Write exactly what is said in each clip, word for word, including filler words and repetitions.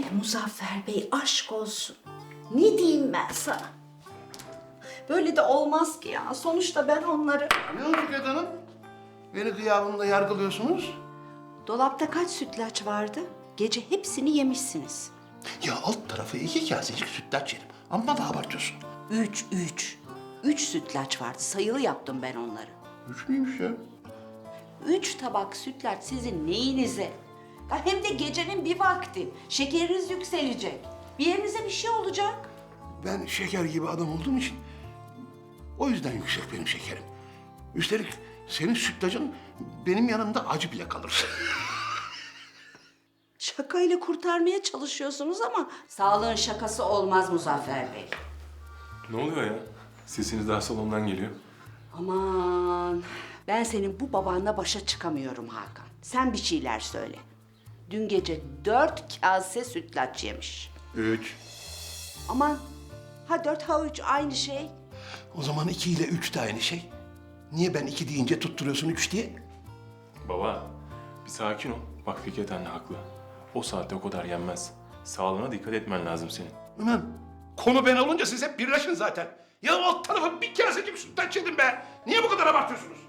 Muzaffer Bey aşk olsun. Ne diyeyim ben sana? Böyle de olmaz ki ya. Sonuçta ben onları... Ne oldu Fikret Hanım? Beni gıyabımda yargılıyorsunuz. Dolapta kaç sütlaç vardı? Gece hepsini yemişsiniz. Ya alt tarafı iki kasecik sütlaç yedim. Amma da abartıyorsun. Üç, üç. Üç sütlaç vardı. Sayılı yaptım ben onları. Üç müymüş ya? Üç tabak sütlaç sizin neyinize? Ya hem de gecenin bir vakti. Şekeriniz yükselecek. Bir yerinize bir şey olacak. Ben şeker gibi adam olduğum için o yüzden yüksek benim şekerim. Üstelik senin sütlacın benim yanımda acı bile kalır. Şakayla kurtarmaya çalışıyorsunuz ama sağlığın şakası olmaz Muzaffer Bey. Ne oluyor ya? Sesiniz daha salondan geliyor. Aman, ben senin bu babanla başa çıkamıyorum Hakan. Sen bir şeyler söyle. Dün gece dört kase sütlaç yemiş. Üç. Aman, ha dört ha üç aynı şey. O zaman iki ile üç de aynı şey. Niye ben iki deyince tutturuyorsun üç diye? Baba, bir sakin ol. Bak Fikret anne haklı. O saatte o kadar yenmez. Sağlığına dikkat etmen lazım senin. Ulan konu ben olunca siz hep birleşin zaten. Ya alt tarafa bir kasecik sütlaç yedim be. Niye bu kadar abartıyorsunuz?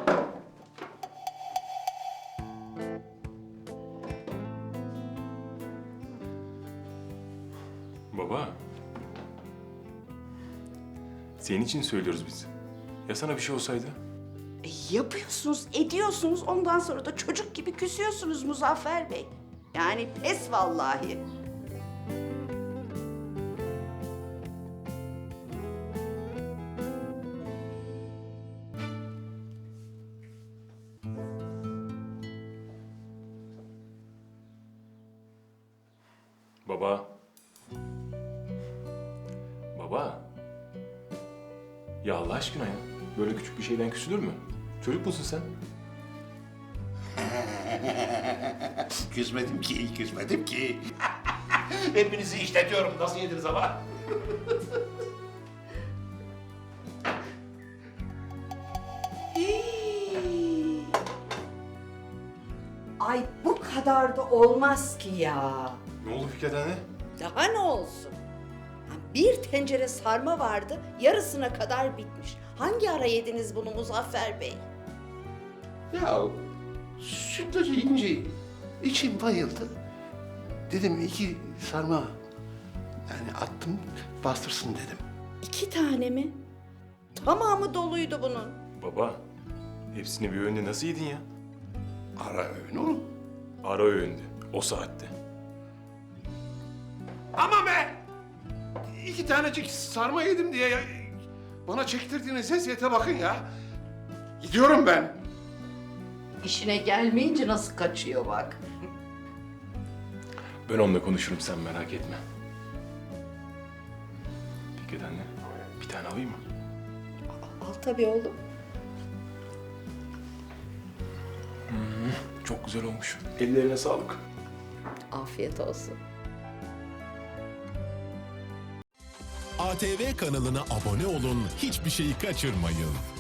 Baba. Senin için söylüyoruz biz. Ya sana bir şey olsaydı? E, yapıyorsunuz, ediyorsunuz. Ondan sonra da çocuk gibi küsüyorsunuz Muzaffer Bey. Yani pes vallahi. Baba. Baba. Ya Allah aşkına ya. Böyle küçük bir şeyden küsülür mü? Çocuk musun sen? Küsmedim ki, küsmedim ki. Hepinizi işletiyorum. Nasıl yediniz ama? Hii. Ay bu kadar da olmaz ki ya. Ne oldu Fikret anne? Daha ne olsun? Ha, bir tencere sarma vardı, yarısına kadar bitmiş. Hangi ara yediniz bunu Muzaffer Bey? Ya sütlacı yiyince içim bayıldı. Dedim iki sarma yani attım bastırsın dedim. İki tane mi? Tamamı doluydu bunun. Baba. Hepsini bir öğünde nasıl yedin ya? Ara öğün oğlum. Ara öğündü. O saatte. Ama be! İki tanecik sarma yedim diye ya, bana çektirdiğiniz eziyete bakın ya. Gidiyorum ben. İşine gelmeyince nasıl kaçıyor bak. Ben onunla konuşurum, sen merak etme. Fikret anne, bir tane alayım mı? Al tabii oğlum. Çok güzel olmuş. Ellerine sağlık. Afiyet olsun. A T V kanalına abone olun, hiçbir şeyi kaçırmayın.